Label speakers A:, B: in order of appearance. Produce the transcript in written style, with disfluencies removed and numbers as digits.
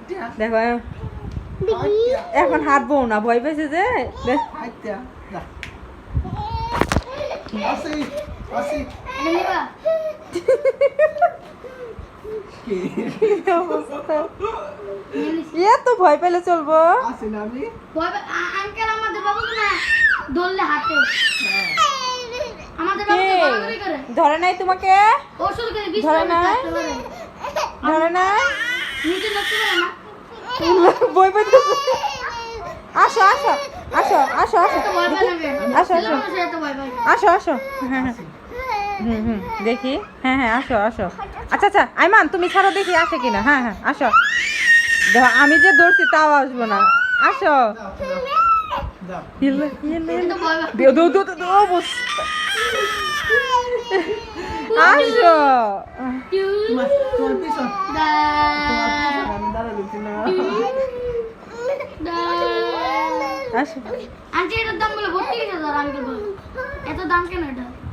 A: দেখো এখন হাঁটবো না, ভয় পেয়েছে যে। ইয়ে তো ভয় পেলে চলবো। ধরে নাই তোমাকে, ধরে নাই, ধরে নাই, বই পেতেছে। আসো আসো আসো আসো আসো আসো আসো আসো আসো। হুম দেখি। হ্যাঁ আসো আসো। আচ্ছা আচ্ছা আইমান তুমি ছাড়ো দেখি আসে কিনা। হ্যাঁ আসো। দেখো আমি যে দৌড়ছি তাও আসবো না। আসো আসো। আসো
B: আন্টি এটার দাম বলে 32,000 আঙ্কেল বলে। এত দাম কেন এটা?